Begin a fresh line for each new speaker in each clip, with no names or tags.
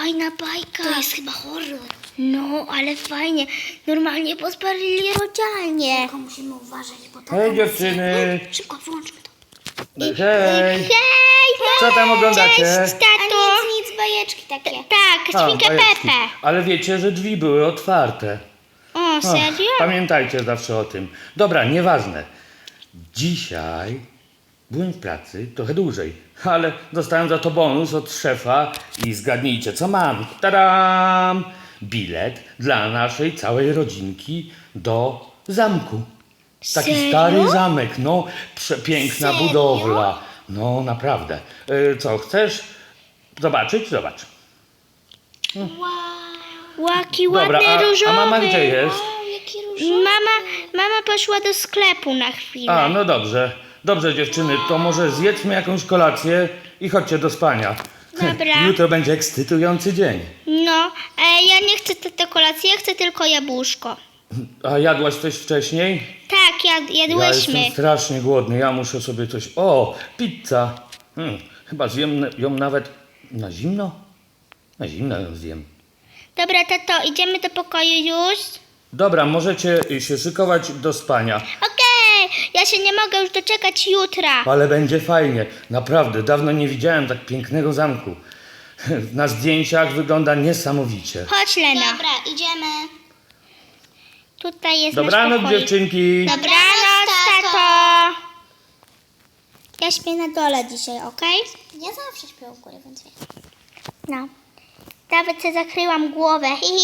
fajna bajka.
To jest chyba horror.
No, ale fajnie. Normalnie pozbarili rodzialnie.
Tylko musimy uważać, bo to...
Hej dziewczyny!
Szybko, wyłączmy to.
Hej!
Hej,
Co tam oglądacie?
cześć, tato.
A nic, bajeczki takie.
Tak,
A,
świnkę
bajeczki.
Pepę.
Ale wiecie, że drzwi były otwarte.
O, serio?
Pamiętajcie zawsze o tym. Dobra, nieważne. Dzisiaj byłem w pracy trochę dłużej, ale dostałem za to bonus od szefa i zgadnijcie, co mam. Tadam! Bilet dla naszej całej rodzinki do zamku. Taki
Serio?
stary zamek, no, przepiękna
Serio?
budowla. No, naprawdę. Co, chcesz zobaczyć? Zobacz.
Łaki
Dobra,
ładny, różowy.
a mama gdzie jest?
Wow, jaki różowy.
Mama poszła do sklepu na chwilę.
A, no dobrze. Dobrze, dziewczyny, to może zjedzmy jakąś kolację i chodźcie do spania.
Dobra.
Jutro będzie ekscytujący dzień.
No, ja nie chcę tej kolacji, ja chcę tylko jabłuszko.
A jadłaś coś wcześniej?
Tak,
Ja
jadłyśmy.
jestem strasznie głodny, ja muszę sobie coś... O, pizza! Chyba zjem ją nawet na zimno? Na zimno ją zjem.
Dobra, tato, idziemy do pokoju już?
Dobra, możecie się szykować do spania.
Okej, ja się nie mogę już doczekać jutra.
Ale będzie fajnie. Naprawdę, dawno nie widziałem tak pięknego zamku. Na zdjęciach wygląda niesamowicie.
Chodź, Lena.
Dobra, idziemy.
Tutaj jest
Dobranoc,
nasz pokój.
dziewczynki.
Dobranoc, tato. Ja śpię na dole dzisiaj, okej?
Ja zawsze śpię u góry, więc wiem.
No. Nawet sobie zakryłam głowę.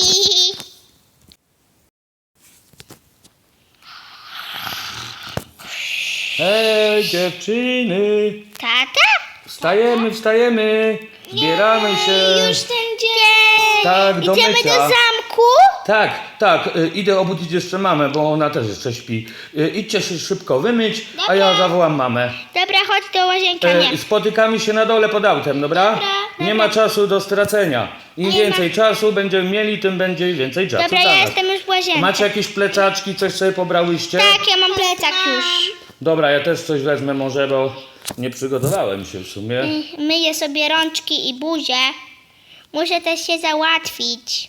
Hej, dziewczyny!
Tata?
Wstajemy, wstajemy! Zbieramy się!
Już ten dzień.
Tak, do
Idziemy
mycia.
do zamku?
Tak, idę obudzić jeszcze mamę, bo ona też jeszcze śpi. Idźcie się szybko wymyć, a ja zawołam mamę.
Dobra, chodź do łazienki. Nie.
Spotykamy się na dole pod autem, dobra?
Dobra,
Nie ma czasu do stracenia. Im więcej czasu będziemy mieli, tym będzie więcej czasu
Dobra,
dla
ja
nas.
jestem już w łazience.
Macie jakieś plecaczki, coś sobie pobrałyście?
Tak, ja mam plecak już.
Dobra, ja też coś wezmę może, bo nie przygotowałem się w sumie.
Myję sobie rączki i buzię. Muszę też się załatwić.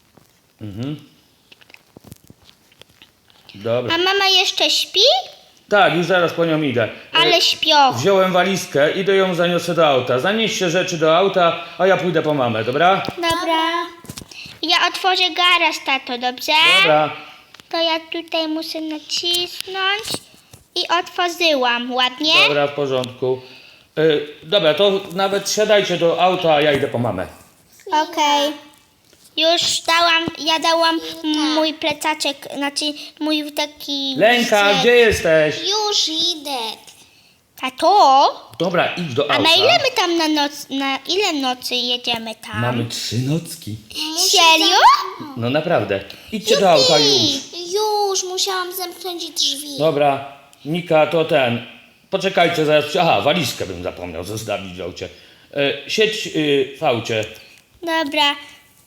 Dobra.
A mama jeszcze śpi?
Tak, już zaraz po nią idę.
Ale śpioch.
Wziąłem walizkę, idę ją zaniosę do auta. Zanieście rzeczy do auta, a ja pójdę po mamę, dobra?
Dobra. Ja otworzę garaż, tato, dobrze?
Dobra.
To ja tutaj muszę nacisnąć i otworzyłam. Ładnie?
Dobra, w porządku. Dobra, to nawet siadajcie do auta, a ja idę po mamę.
Okej. Już ja dałam mój plecaczek, znaczy mój taki...
Lenka, gdzie jesteś?
Już idę.
Tato?
Dobra, idź do
A
auta.
na ile my tam na ile nocy jedziemy tam?
Mamy 3 nocki.
Serio?
No naprawdę. Idźcie do auta już.
Już, musiałam zamknąć drzwi.
Dobra, Nika, to ten. Poczekajcie, zaraz. Aha, walizkę bym zapomniał zostawić w aucie. Siedź w aucie.
Dobra.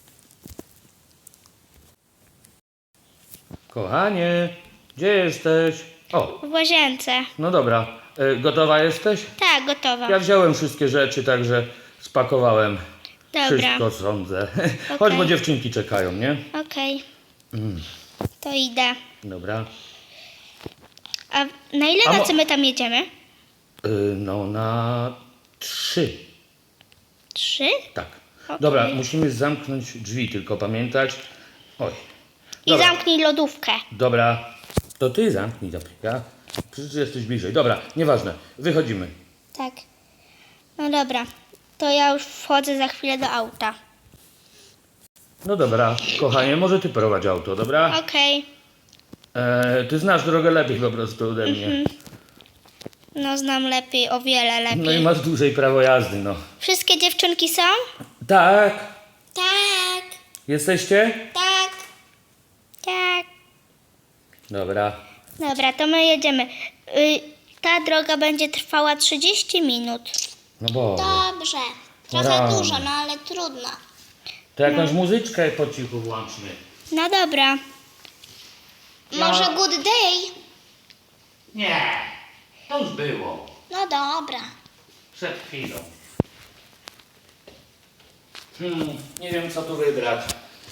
Kochanie, gdzie jesteś? O,
W łazience.
no dobra. Gotowa jesteś?
Tak, gotowa.
Ja wziąłem wszystkie rzeczy, także spakowałem.
Dobra.
Wszystko sądzę. Chodź, bo dziewczynki czekają, nie?
Okej. To idę.
Dobra.
A na ile
A mo-
nocy my tam jedziemy?
No na 3.
3?
Tak.
Okej.
Dobra, musimy zamknąć drzwi, tylko pamiętać. Oj.
I
Dobra.
zamknij lodówkę.
Dobra. To ty zamknij, ja. Przecież jesteś bliżej. Dobra, nieważne. Wychodzimy.
Tak. No dobra. To ja już wchodzę za chwilę do auta.
No dobra, kochanie, może ty prowadź auto, dobra?
Okej.
Ty znasz drogę lepiej po prostu ode mnie.
No znam lepiej, o wiele lepiej.
No i masz dłużej prawo jazdy, no.
Wszystkie dziewczynki są?
Tak.
Tak,
Jesteście?
tak.
Tak.
Dobra.
Dobra, to my jedziemy. Ta droga będzie trwała 30 minut.
No bo.
Dobrze. Trochę
Rany.
dużo, no ale trudno.
To jakąś muzyczkę po cichu włączmy.
No dobra.
Może good day?
Nie, to już było.
No dobra.
Przed chwilą. Nie wiem, co tu wybrać.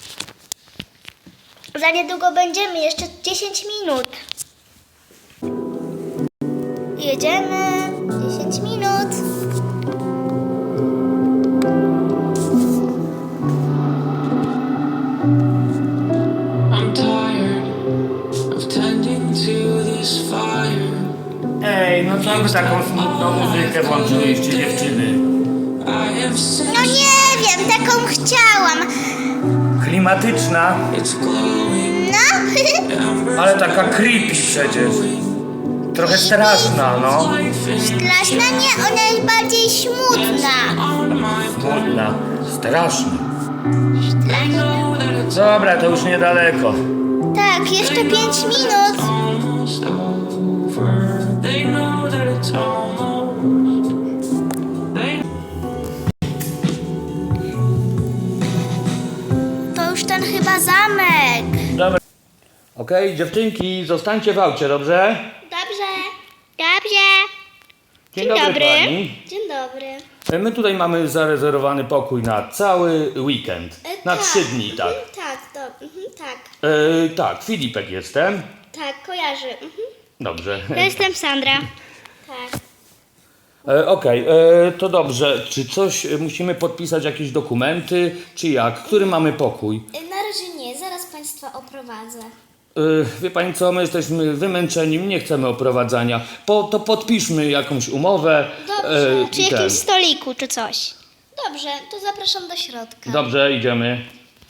Za niedługo będziemy, jeszcze 10 minut. Jedziemy, 10 minut.
I'm tired of tending to this fire.
Ej, no co wy taką smutną muzykę włączyliście, dziewczyny?
I have sensed
No nie wiem, taką chciałam.
Klimatyczna,
it's glowing.
No,
ale taka creepy przecież. Trochę straszna, no.
Life is
straszna nie, ona jest bardziej smutna.
on my
Smutna, straszna.
I know that it's
Dobra, to już niedaleko.
Tak, jeszcze 5 minut.
almost over. They know that it's almost. They
To już ten chyba zamek.
Dobra. Okej, dziewczynki, zostańcie w aucie, dobrze?
Dobrze.
Dobrze.
Dzień
dobry.
kochani.
Dzień dobry.
My tutaj mamy zarezerwowany pokój na cały weekend. Na 3 dni, tak.
Tak.
Tak, Filipek jestem.
Tak, kojarzy.
Dobrze.
Ja jestem Sandra.
Tak.
Okej, to dobrze. Czy coś musimy podpisać, jakieś dokumenty, czy jak? Który mamy pokój?
Na razie nie, zaraz Państwa oprowadzę.
Wie pani co, my jesteśmy wymęczeni, nie chcemy oprowadzania. To podpiszmy jakąś umowę.
Dobrze.
Czy
i ten.
jakimś stoliku, czy coś.
Dobrze, to zapraszam do środka.
Dobrze, idziemy.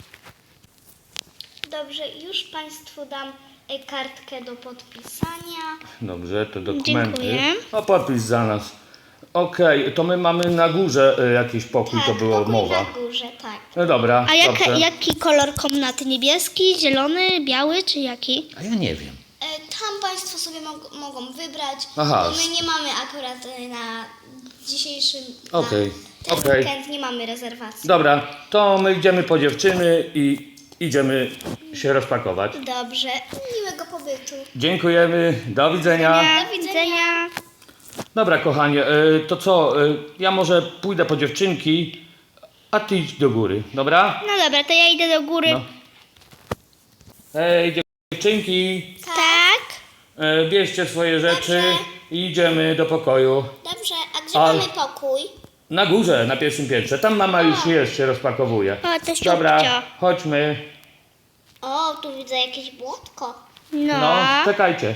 Dobrze, już Państwu dam kartkę do podpisania.
Dobrze, to dokumenty.
Dziękuję.
O, podpis za nas. Okej, to my mamy na górze jakiś pokój, to było
pokój
mowa.
na górze, tak.
No dobra,
A
dobrze.
jaki kolor komnaty? Niebieski, zielony, biały, czy jaki?
A ja nie wiem.
Tam Państwo sobie mogą wybrać,
Aha.
bo my nie mamy akurat na dzisiejszym
Okej,
na ten
okej.
weekend nie mamy rezerwacji.
Dobra, to my idziemy po dziewczyny i idziemy się rozpakować.
Dobrze, miłego pobytu.
Dziękujemy, do widzenia.
Do widzenia.
Dobra, kochanie, to co, ja może pójdę po dziewczynki, a ty idź do góry, dobra?
No dobra, to ja idę do góry.
No. Ej, dziewczynki,
Tak.
bierzcie swoje rzeczy
Dobrze.
i idziemy do pokoju.
Dobrze, a gdzie
Ale-
mamy pokój?
Na górze, na pierwszym piętrze, tam mama już jest, się rozpakowuje.
O, to
Dobra,
ściupcio.
chodźmy.
O, tu widzę jakieś błotko.
No.
No, czekajcie.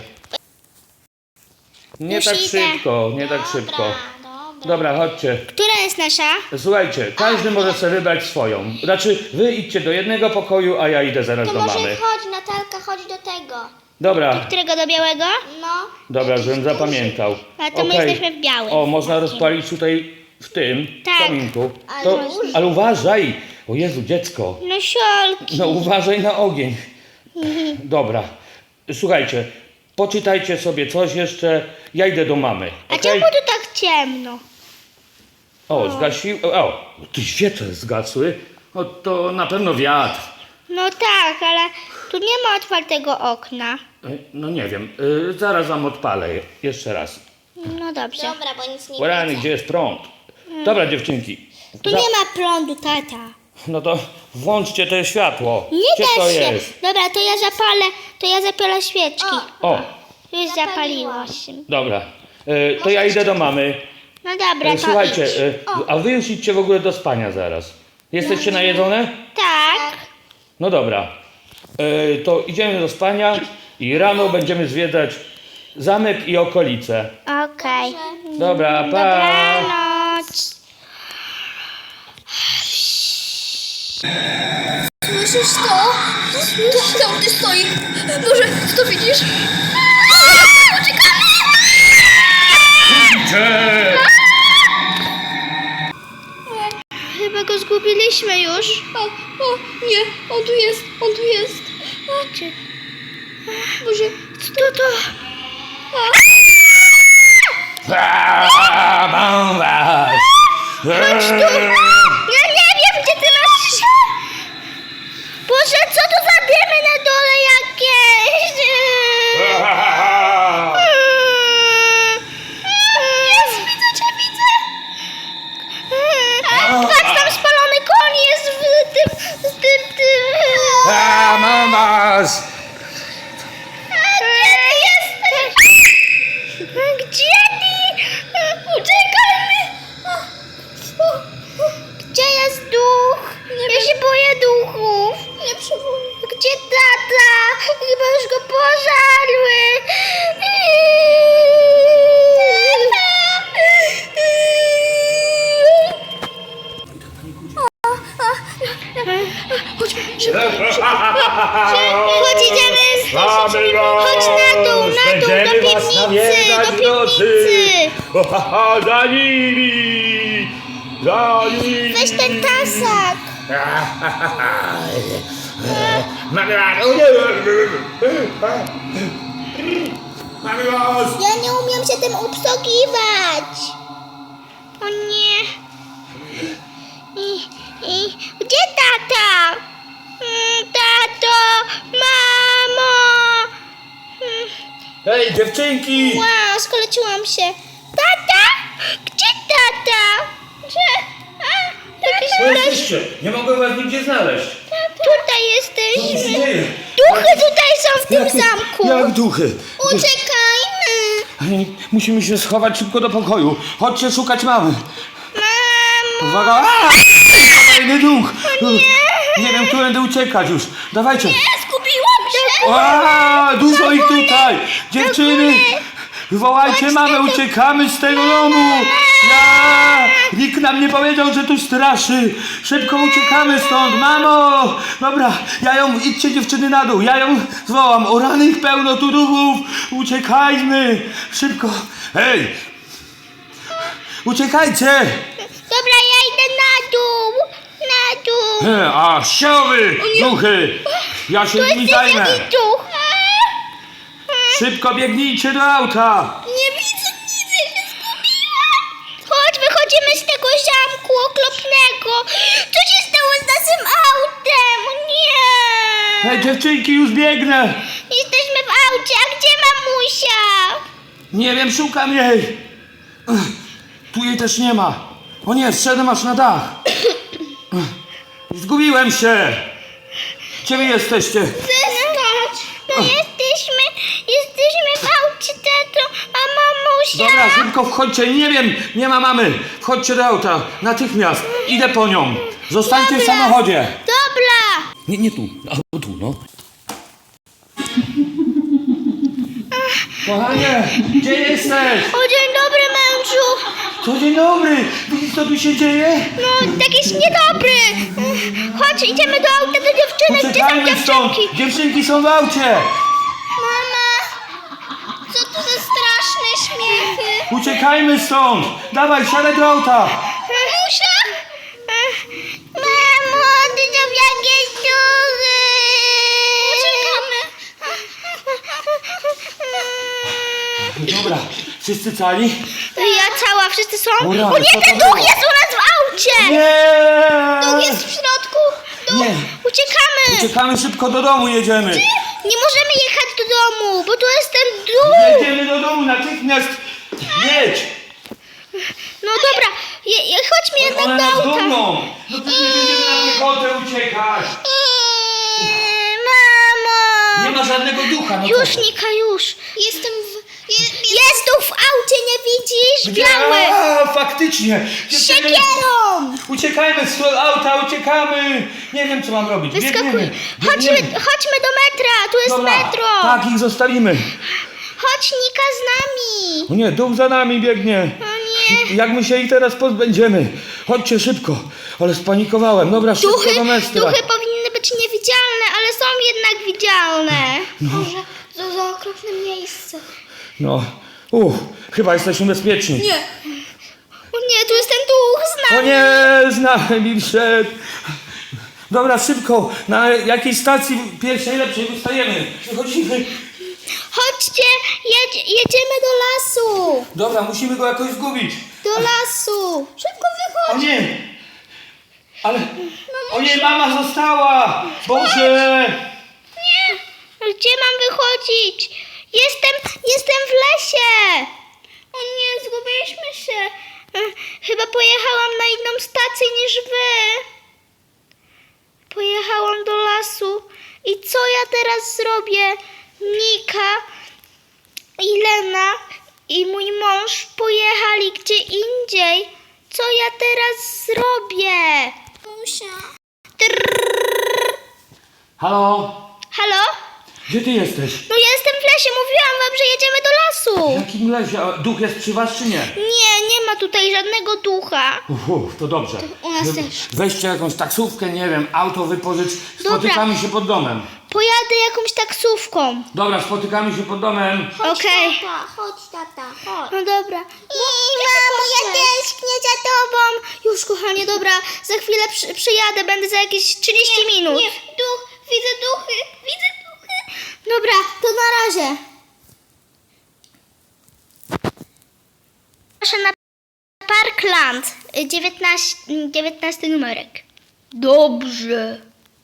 Nie
Już
tak
idę.
szybko, nie tak szybko. Dobra, chodźcie.
Która jest nasza?
Słuchajcie, każdy może sobie wybrać swoją. Znaczy, wy idźcie do jednego pokoju, a ja idę zaraz
To
do
może
mamy.
chodź, Natalka, chodź do tego.
Dobra,
Którego do białego?
No.
dobra,
jakiś
żebym
duży.
zapamiętał.
A to my
Okej.
jesteśmy w białym.
O, można rozpalić tutaj w tym
Tak.
kominku.
Ale duży.
Ale uważaj! O Jezu, dziecko.
No siolki.
No uważaj na ogień. Dobra. Słuchajcie, poczytajcie sobie coś jeszcze. Ja idę do mamy.
A
okej?
czemu tu tak ciemno?
O, zgasił. O, tu świece zgasły. O, to na pewno wiatr.
No tak, ale tu nie ma otwartego okna.
No nie wiem, zaraz wam odpalę jeszcze raz.
No dobrze.
Dobra, bo nic nie
Rany,
widzę.
gdzie jest prąd? Dobra, dziewczynki.
Tu nie ma prądu, tata.
No to włączcie to światło.
Nie
Gdzie to
da się.
jest?
Dobra, to ja zapalę świeczki.
O,
Już zapaliło się.
dobra. To ja idę do mamy.
No dobra, to
Słuchajcie,
idź.
a wy już idźcie w ogóle do spania zaraz. Jesteście najedzone?
Tak.
No dobra. To idziemy do spania i rano będziemy zwiedzać zamek i okolice.
Okej.
Dobra, pa!
Dobranoc.
Słyszysz to? Tam ty stoi. Boże, to widzisz?
Chyba go zgubiliśmy już.
O, nie, on tu jest, on tu jest.
Czy...
Boże,
Co to?
Mam was!
Ja nie wiem, gdzie ty masz... Boże, co to za dymy na dole jakieś? Jest, widzę cię, widzę. Patrz, tam spalony koń jest. piwnicy.
O, ha, ha, za nimi! Za nimi!
Weź ten tasak.
Mamy was! Mamy was!
Ja nie umiem się tym obsługiwać. O nie. Gdzie tata? Tato, mamo.
Hej, dziewczynki!
Wow, skoleciłam się. Tata? Gdzie tata?
Co jesteście? Nie mogę was nigdzie znaleźć.
Tutaj
Co tu się
jesteśmy.
dzieje?
Duchy tutaj są w tym zamku.
Jak duchy?
Uciekajmy.
Musimy się schować szybko do pokoju. Chodźcie szukać mamy.
Mamo.
Uwaga! A! Kolejny duch! Nie wiem, którędy uciekać już. Dawajcie.
Zgubiłam się.
A, dużo ich tutaj! Dziewczyny! Wołajcie mamę, uciekamy z tego domu! Ja! Nikt nam nie powiedział, że tu straszy! Szybko uciekamy stąd, mamo! Dobra, idźcie dziewczyny na dół, ja ją zwołam. O rany, ich pełno tu duchów! Uciekajmy! Szybko! Hej! Uciekajcie!
Dobra, ja idę na dół. Na dół.
A, sioły! Duchy! Ja się nimi zajmę!
Jaki duch?
Szybko biegnijcie do auta!
Nie widzę nic, ja się zgubiłam. Chodź, wychodzimy z tego zamku okropnego. Co się stało z naszym autem? Nie.
Hej, dziewczynki, już biegnę!
Jesteśmy w aucie, a gdzie mamusia?
Nie wiem, szukam jej! Tu jej też nie ma. O nie, zszedłem aż na dach. Zgubiłem się! Gdzie wy jesteście?
Wyskocz. No jesteśmy w aucie, tato, a mamusia?
Dobra, szybko wchodźcie. Nie wiem, nie ma mamy. Wchodźcie do auta. Natychmiast. Idę po nią. Zostańcie w
Dobra.
samochodzie.
Dobra.
Nie tu. A tu, no. Kochanie, gdzie jesteś?
O, dzień dobry, mężu.
Co, dzień dobry. Widzisz, co tu się dzieje?
No, jakiś niedobry. Chodź, idziemy do auta do dziewczynek. Gdzie są
Uciekajmy stąd.
dziewczynki?
Dziewczynki są w aucie.
Mama, co to za straszne śmiechy?
Uciekajmy stąd. Dawaj, siadaj do auta.
Mamusia? Mamo, ty są jakieś duchy. Uciekamy.
Dobra, wszyscy cali?
Ja cała, wszyscy są?
O rany,
O nie,
co to
ten duch
było?
jest u nas w aucie.
Nie!
Duch jest w środku. Duch.
Nie.
Uciekamy.
Uciekamy szybko do domu, jedziemy.
Nie możemy jechać do domu, bo tu jest ten duch.
Jedziemy do domu, natychmiast. Jedź.
No dobra, chodźmy jednak
One
do
nas
auta.
gonią. No to nie będziemy na piechotę uciekać.
Mamo.
Nie ma żadnego ducha. No
Już,
co?
Nika, już. Jest tu w aucie, nie widzisz? Biały.
A, faktycznie. Dziewczyny,
Siekierą.
uciekajmy z auta, uciekamy. Nie wiem, co mam robić.
Wyskakuj.
Biegniemy.
Chodźmy do metra, tu jest
Dobra,
metro.
tak, ich zostawimy.
Chodź, Nika, z nami.
O nie, duch za nami biegnie.
O nie.
Jak my się ich teraz pozbędziemy? Chodźcie szybko. Ale spanikowałem. Dobra, szybko do mestra.
Duchy powinny być niewidzialne, ale są jednak widzialne. Boże, to za okropne miejsce.
No, chyba jesteśmy bezpieczni.
Nie.
O nie, tu jest ten duch z
O
nami.
nie, z nami wszedł. Dobra, szybko. Na jakiej stacji pierwszej, lepszej wystajemy? Wychodzimy.
Chodźcie, jedziemy do lasu.
Dobra, musimy go jakoś zgubić.
Do lasu. Szybko
O
wychodź.
nie. Ale... O nie, mama została. Boże.
Nie. Gdzie mam wychodzić? Jestem w lesie. O nie, zgubiliśmy się. Chyba pojechałam na inną stację niż wy. Pojechałam do lasu. I co ja teraz zrobię? Nika i Lena i mój mąż pojechali gdzie indziej. Co ja teraz zrobię? Musia.
Halo?
Halo?
Gdzie ty jesteś?
No ja jestem w lesie, mówiłam wam, że jedziemy do
W
lasu.
jakim lesie? A duch jest przy was czy nie?
Nie ma tutaj żadnego ducha.
To dobrze.
u nas też.
Weźcie jakąś taksówkę, nie wiem, auto wypożycz. Spotykamy się pod domem.
Pojadę jakąś taksówką.
Dobra, spotykamy się pod domem.
Okej.
Chodź tata, chodź.
No dobra. Mamo, ja tęsknię za tobą. Już, kochanie, dobra. Za chwilę przyjadę, będę za jakieś 30 minut.
Nie, widzę duchy.
Dobra, to na razie. Proszę na Parkland, 19 numerek. Dobrze.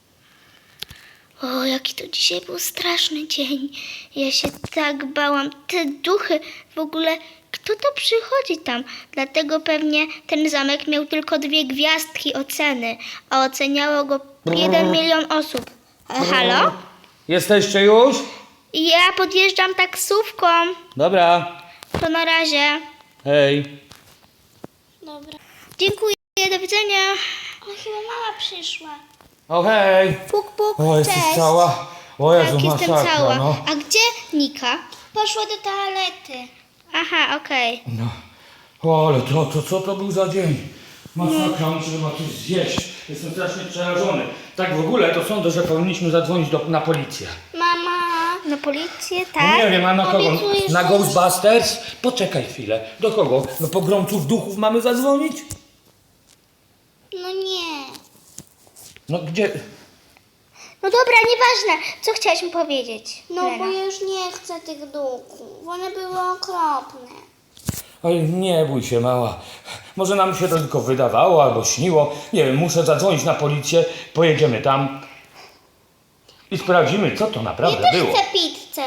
O, jaki to dzisiaj był straszny dzień. Ja się tak bałam. Te duchy, w ogóle, kto to przychodzi tam? Dlatego pewnie ten zamek miał tylko 2 gwiazdki oceny, a oceniało go 1 milion osób. Halo?
Jesteście już?
Ja podjeżdżam taksówką.
Dobra.
To na razie.
Hej.
Dobra.
Dziękuję, do widzenia.
O, chyba mama przyszła.
O hej.
Puk, puk,
O, jesteś
cześć.
cała? O Jezu,
Tak, jestem
masakra,
cała.
no.
A gdzie Nika?
Poszła do toalety.
Aha, okej.
No. O, ale co to był za dzień? Masakra, muszę chyba coś zjeść. Jestem strasznie przerażony. Tak w ogóle to sądzę, że powinniśmy zadzwonić na policję.
Mama.
Na policję,
No
tak?
nie wiem, a na kogo?
Obiecujesz,
Na
że-
Ghostbusters? Poczekaj chwilę. Do kogo? No pogromców duchów mamy zadzwonić?
No nie.
No gdzie?
No dobra, nieważne. Co chciałaś mi powiedzieć?
No
Lena?
bo ja już nie chcę tych duchów. One były okropne.
Oj, nie bój się, mała. Może nam się to tylko wydawało albo śniło. Nie wiem, muszę zadzwonić na policję. Pojedziemy tam i sprawdzimy, co to naprawdę
Ja też
było.
chcę pizzę.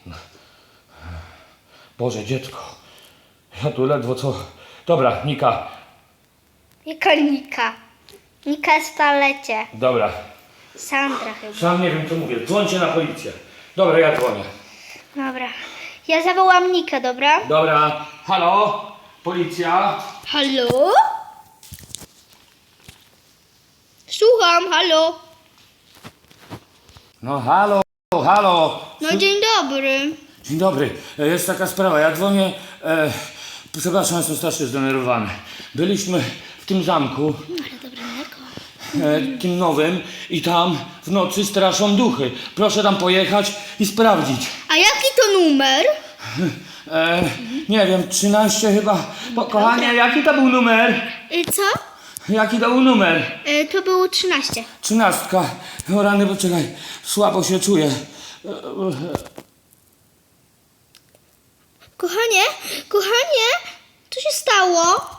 Boże, dziecko. Ja tu ledwo co... Dobra, Nika.
Jaka Nika? Nika jest w toalecie.
Dobra.
Sandra chyba.
Sam nie wiem, co mówię. Dzwońcie na policję. Dobra, ja dzwonię.
Dobra. Ja zawołam Nikę, dobra?
Dobra. Halo? Policja?
Halo? Słucham, halo.
No halo, halo.
No dzień dobry.
Dzień dobry. Jest taka sprawa. Ja dzwonię... przepraszam, jestem strasznie zdenerwowany. Byliśmy w tym zamku, tym nowym, i tam w nocy straszą duchy. Proszę tam pojechać i sprawdzić.
A jaki to numer?
Nie wiem, 13 chyba. Kochanie, jaki to był numer?
Co?
Jaki to był numer?
To było 13.
13. O rany, poczekaj. Słabo się czuję.
Kochanie, co się stało?